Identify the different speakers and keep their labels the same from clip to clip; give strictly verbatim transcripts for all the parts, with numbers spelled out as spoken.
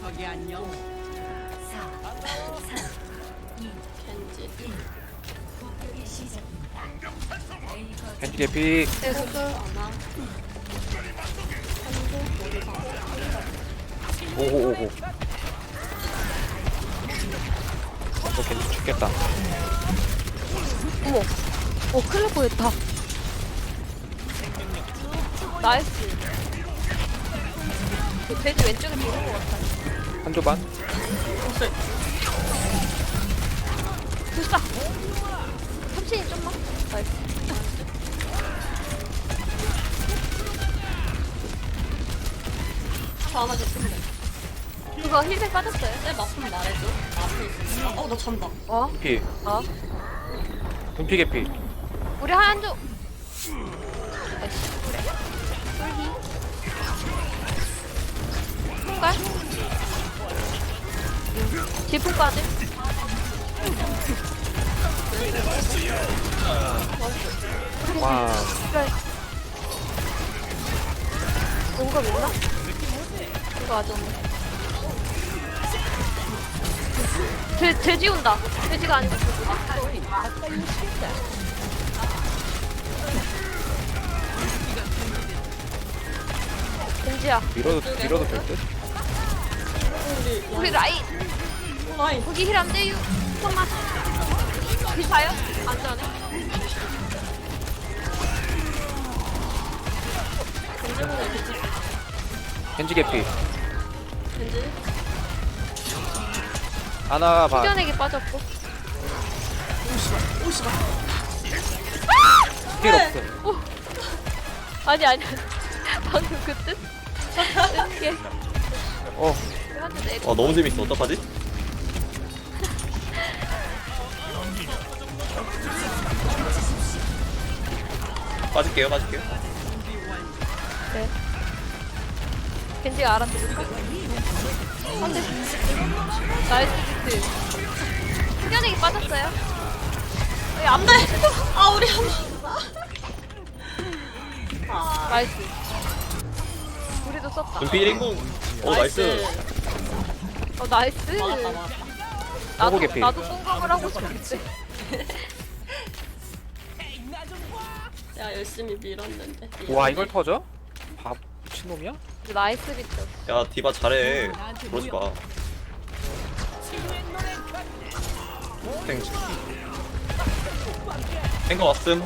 Speaker 1: 저기 안녕.
Speaker 2: 겐지 개피. 오호 오호. 너 겐지 죽겠다.
Speaker 3: 어머. 어, 큰일 날 뻔했다. 나이스. 그 돼지 왼쪽에 도는 것 같아.
Speaker 2: 한조 반.
Speaker 3: 불사. 삼신이 좀만. 나이스.
Speaker 4: 저 하나 됐으면 돼.
Speaker 3: 그거 힐백 빠졌어요?
Speaker 4: 내 맛좀 말해줘. 앞에 있어. 어, 나 잔다.
Speaker 3: 어?
Speaker 2: 분피.
Speaker 3: 어?
Speaker 2: 분피 개피.
Speaker 3: 우리 하얀조. 나이스. 그래. 쫄기. 풍갈. 질풍 빠짐.
Speaker 2: 와.
Speaker 3: 그래. 용감 있나? 이거 아직 없네. 돼, 돼지 온다. 돼지가 아니고 돼지다. 돼지야.
Speaker 2: 밀어도 밀어도 될 듯.
Speaker 3: 우리 라인.
Speaker 4: 라인.
Speaker 3: 거기 힐 안 돼요. 잠깐만. 힐 봐요? 안 되네.
Speaker 2: 겐지 개피.
Speaker 4: 겐지.
Speaker 2: 하나 반.
Speaker 3: 튀겨내기 빠졌고.
Speaker 4: 오시다.
Speaker 2: 필 없어.
Speaker 3: 오. 아니 아니. 방금 그 뜻? 이게
Speaker 2: 어.
Speaker 3: 한대 내.
Speaker 5: 아 너무 재밌어. 어떡하지? 빠질게요, 빠질게요.
Speaker 3: 네. 겐지가 알아들을까? 안돼. 나이스 비트. 튀겨내기 빠졌어요. 안 돼.
Speaker 4: 아, 우리 한
Speaker 3: 나이스. 우리도 썼다.
Speaker 5: 눈피 일 인공. 오, 나이스.
Speaker 3: 어 나이스.
Speaker 4: 막았다, 막았다.
Speaker 3: 나도
Speaker 2: 호구 개피.
Speaker 3: 나도 똥감을 하고 싶은데.
Speaker 4: 내가 열심히 밀었는데.
Speaker 2: 와 이걸 터져? 밥 미친놈이야?
Speaker 3: 나이스 비트.
Speaker 5: 야, 디바 잘해. 그러지 마. 땡지. 땡거 왔음.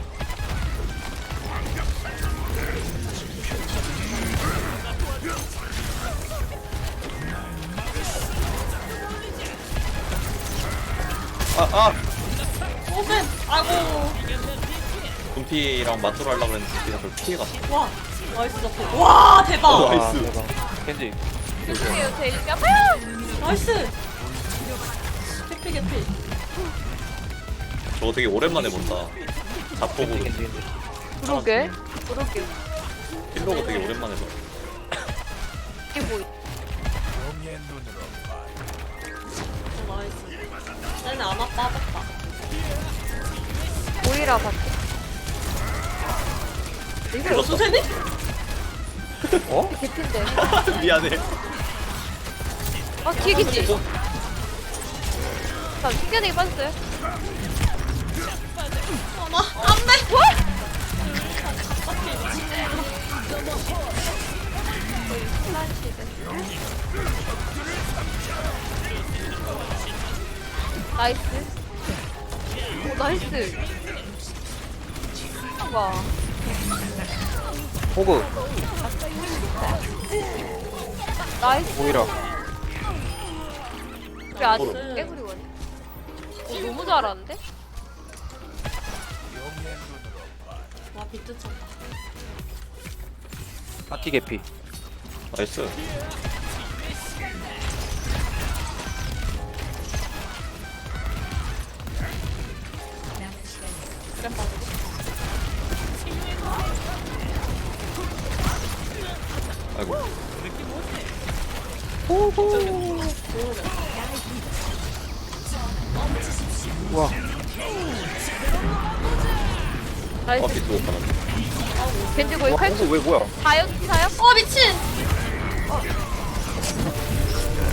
Speaker 5: 아, 아!
Speaker 4: 오센! 아이고.
Speaker 5: 분피랑 맞돌 하려고 했는데 분피가 그걸 피해갔어.
Speaker 4: 와, 나이스 잡고. 와, 대박.
Speaker 5: 어,
Speaker 2: 와
Speaker 5: 나이스.
Speaker 2: 대박. 겐지.
Speaker 3: 죄송해요 제 이름이 아파요.
Speaker 4: 나이스. 개피, 개피.
Speaker 5: 저거 되게 오랜만에 본다.
Speaker 2: 겐지
Speaker 5: 자폭으로.
Speaker 2: 겐지 겐지.
Speaker 3: 그러게. 그러게.
Speaker 5: 힐러가 되게 오랜만에 봐.
Speaker 3: 이게 뭐?
Speaker 4: 어, 나이스. 쟤네 아마 빠졌다.
Speaker 3: 오이라 봤지?
Speaker 4: 이거 무슨 쟤네?
Speaker 2: 어?
Speaker 3: 개핀데.
Speaker 5: 미안해.
Speaker 3: 아 뒤에 겐지. 자 튕겨내기 빠졌어요.
Speaker 4: 어머, 안 돼!
Speaker 3: 나이스. 오 나이스. 와.
Speaker 2: 호그.
Speaker 3: 나이스.
Speaker 2: 오히려.
Speaker 3: 우리 아직 깨구리 원해. 어, 너무 잘하는데?
Speaker 4: 와, 비트 쳤다.
Speaker 2: 파티 개피.
Speaker 5: 나이스.
Speaker 4: 그래, 빠지고.
Speaker 5: 아이고.
Speaker 2: 우와.
Speaker 3: 나이스.
Speaker 5: 아, 비트 못 받았네.
Speaker 3: 겐지 거의
Speaker 2: 와
Speaker 3: 칼
Speaker 2: 호그 왜 뭐야?
Speaker 3: 다요? 다요?
Speaker 4: 어, 미친!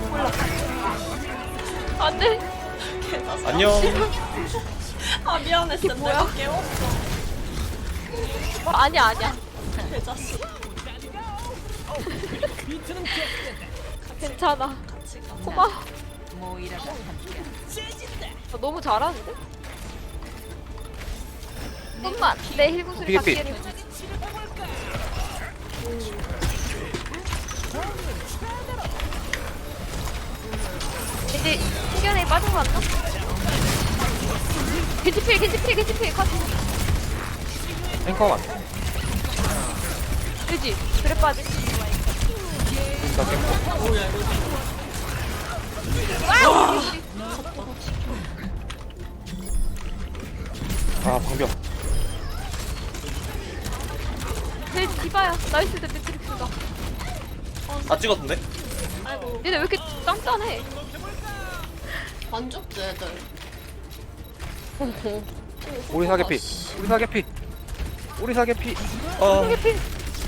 Speaker 3: 안돼.
Speaker 5: 안녕.
Speaker 4: 아 미안했어. 내가 깨웠어.
Speaker 3: 어, 아니야 아니야.
Speaker 4: 개자식.
Speaker 3: 괜찮아.
Speaker 4: 같이 가.
Speaker 3: 고마워. 아, 너무 잘하는데? 잠깐만 내 힐구슬
Speaker 2: 삐삐.
Speaker 3: 닿기를. 이제 신견에 빠진 거 같나? 겐지필 겐지필 겐지필 컷.
Speaker 2: 탱커만.
Speaker 3: 그지? 그래 빠지.
Speaker 2: 진짜 탱커.
Speaker 4: 뭐야 이거.
Speaker 3: 와! 우리 우리.
Speaker 2: 아 방벽.
Speaker 3: 제 디바야. 나이스 대 매트릭스가.
Speaker 5: 다 찍었는데?
Speaker 4: 아이고
Speaker 3: 얘네 왜 이렇게 짱짱해?
Speaker 4: 반죽 애들.
Speaker 2: 우리 사계피. 우리 사계피. 우리 사계피.
Speaker 5: 아,
Speaker 3: 힐필.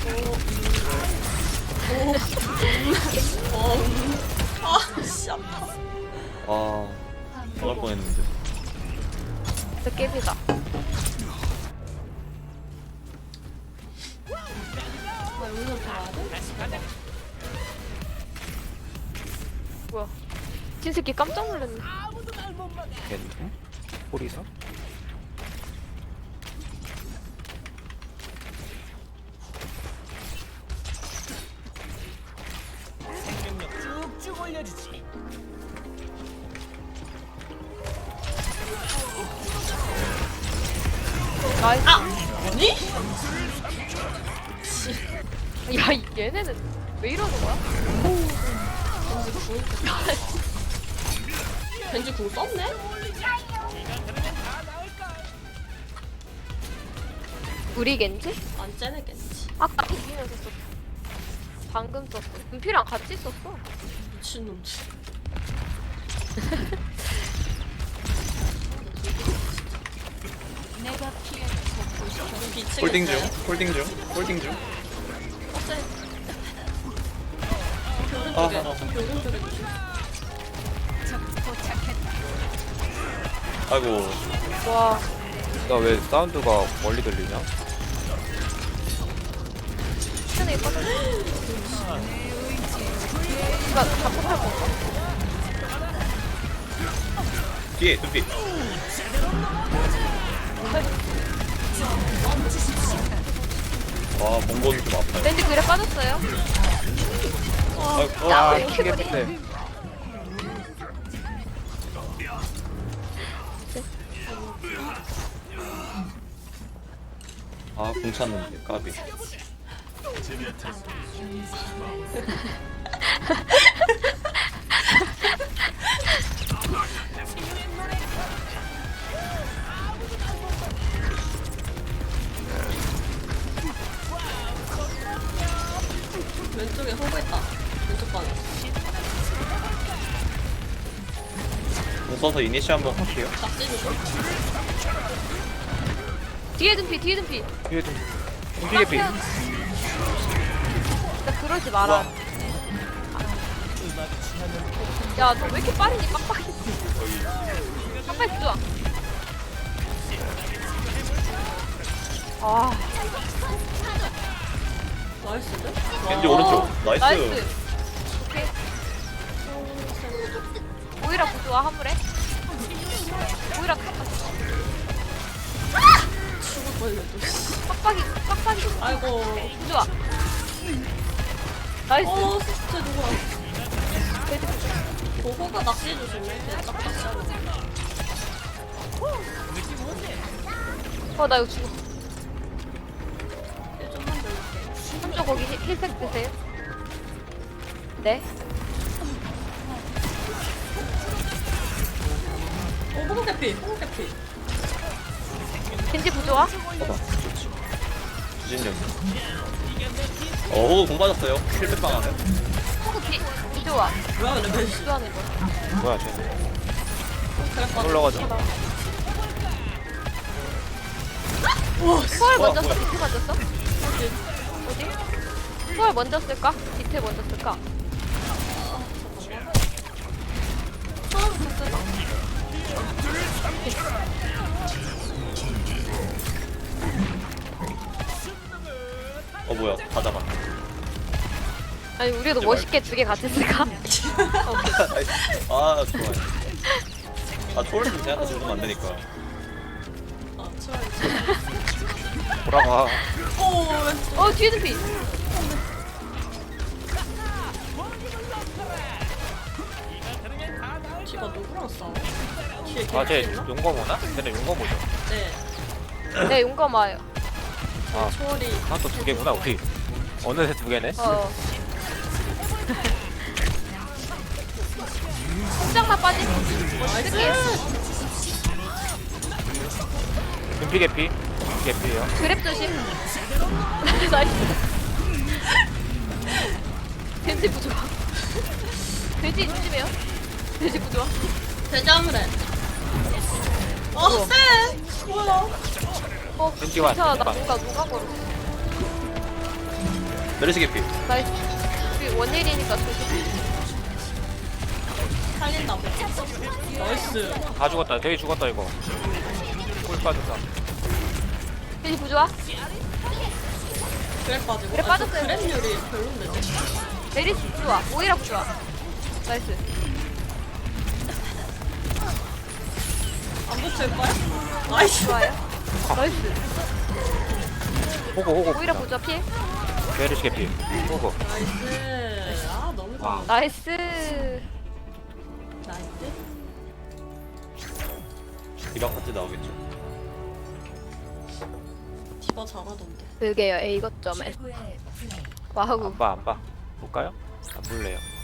Speaker 4: 아씨 아파.
Speaker 5: 아, 나갈 뻔했는데.
Speaker 3: 저 깨비다.
Speaker 4: 나 여기서 봐야 돼?
Speaker 3: 뭐야? 진새끼 깜짝 놀랐네.
Speaker 2: 겐. 호리사.
Speaker 3: 나이스.
Speaker 4: 아니?
Speaker 3: 야, 이 얘네는 왜 이러는 거야?
Speaker 4: 벤지 궁 썼네?
Speaker 3: 우리 겐지?
Speaker 4: 안 째내겠지.
Speaker 3: 아까 비비면서 썼어. 방금 썼어. 은피랑 같이 썼어.
Speaker 4: 미친놈들. 미치겠어요.
Speaker 5: 홀딩 중, 홀딩 중, 홀딩 중.
Speaker 4: 어째?
Speaker 5: 아,
Speaker 4: 오른쪽에,
Speaker 5: 아, 아.
Speaker 4: 오른쪽에.
Speaker 5: 아이고,
Speaker 3: 와,
Speaker 2: 나 왜 사운드가 멀리 들리냐?
Speaker 3: 시간이 빠져. 이거 답답할 건가?
Speaker 5: 뒤에, 뚜비. 아, 몽골이 좀 아파요.
Speaker 3: 왠지 그래 빠졌어요.
Speaker 5: 아이고,
Speaker 3: 야,
Speaker 5: 아,
Speaker 3: 왜 이렇게 보니?
Speaker 2: 키겠는데.
Speaker 5: 아, 공 찼는데, 까비.
Speaker 4: 왼쪽에 호구 있다. 왼쪽 방에.
Speaker 5: 공 써서 이니시 한번 할게요.
Speaker 4: 낙지 주고.
Speaker 3: 뒤에 둔피, 뒤에 둔피.
Speaker 2: 뒤에 좀. 공기계피.
Speaker 3: 나 그러지 마라. 야, 너 왜 이렇게 빠르니? 빡빡이. 빡빡이 좋아. 아,
Speaker 4: 나이스인데?
Speaker 5: 겐지
Speaker 4: 와.
Speaker 5: 오른쪽. 나이스.
Speaker 3: 나이스. 오케이. 오이라 부조화 화물에. 오이라 깜빡이.
Speaker 4: 죽을 뻔했네, 또. 씨.
Speaker 3: 빡빡이, 빡빡이.
Speaker 4: 아이고.
Speaker 3: 부조화. 나이스.
Speaker 4: 어, 진짜 누구야? 어, 호가 낙지 주시네. 걔 짝짝짝.
Speaker 3: 어, 나 이거 죽어.
Speaker 4: 좀만 들릴게.
Speaker 3: 한쪽 거기 힐- 힐팩 드세요. 네.
Speaker 4: 어, 호구 캐피, 호구 캐피.
Speaker 3: 겐지 부조화.
Speaker 5: 봐봐, 좋지. 주진영. 어, 호구 공 맞았어요. 킬백방 안에.
Speaker 3: 호구 비, 부조화.
Speaker 4: 뭐야, 근데 벤지.
Speaker 3: 부조화는 거.
Speaker 2: 뭐야 쟤.
Speaker 4: 그랬거든.
Speaker 2: 올라가자.
Speaker 3: 소월
Speaker 5: 와,
Speaker 3: 먼저
Speaker 5: 뭐야.
Speaker 3: 쓸, 디트 먼저 써?
Speaker 4: 어디?
Speaker 3: 어디? 소월 먼저 쓸까? 디트 먼저 쓸까?
Speaker 5: 어 뭐야 다 잡아.
Speaker 3: 아니 우리도 멋있게 두 개 같이 쓸까?
Speaker 5: 아 좋아요. 아 초월은 제한테 주면 안 되니까.
Speaker 4: 아 추월.
Speaker 2: 돌아가.
Speaker 4: 오 왼쪽.
Speaker 3: 어 뒤에 피.
Speaker 4: 디바 누구랑 싸워? 뒤에
Speaker 2: 아쟤
Speaker 4: 겐지 있나?
Speaker 2: 용검 오나? 쟤네 용검 오죠.
Speaker 4: 네.
Speaker 3: 네 용감 와요.
Speaker 2: 아
Speaker 4: 초월이.
Speaker 2: 아또 두 개구나 우리. 어느새 두 개네.
Speaker 3: 어. 살짝만 빠지면
Speaker 4: 나이스.
Speaker 3: 쓸게요.
Speaker 2: 금피 개피. 금피 개피예요.
Speaker 3: 그랩 조심. 나이스. 겐지 부조화. 돼지 조심해요. 돼지 부조화.
Speaker 4: 대자물에. 어 쎄. 뭐야?
Speaker 3: 어
Speaker 2: 겐지 왔.
Speaker 3: 진짜 나
Speaker 2: 겐지
Speaker 3: 뭔가 누가 걸어.
Speaker 5: 메르시 개피.
Speaker 3: 나이스. 우리 원일이니까 조심.
Speaker 4: 살린다. 나이스.
Speaker 2: 다 죽었다. 되게 죽었다 이거. 꿀 빠졌다.
Speaker 3: 돼지 부조화.
Speaker 4: 그래 빠지고.
Speaker 3: 그래
Speaker 4: 아,
Speaker 3: 빠졌어요.
Speaker 4: 그랩률이 별론데.
Speaker 3: 메리스 부조화. 오이라 부조화. 나이스.
Speaker 4: 안 붙일 거야? 나이스.
Speaker 3: 좋아요. 나이스.
Speaker 2: 호구 호구.
Speaker 3: 오이라 부조화 피해.
Speaker 2: 메르시 개피. 호구.
Speaker 4: 나이스. 아 너무
Speaker 2: 와.
Speaker 4: 좋아.
Speaker 3: 나이스.
Speaker 4: 나이스.
Speaker 5: 이방 파트 나오겠죠.
Speaker 4: 디바 잘하던데.
Speaker 3: 그게요 A 거점에. 와우.
Speaker 2: 안 봐 안 봐. 볼까요? 안 볼래요.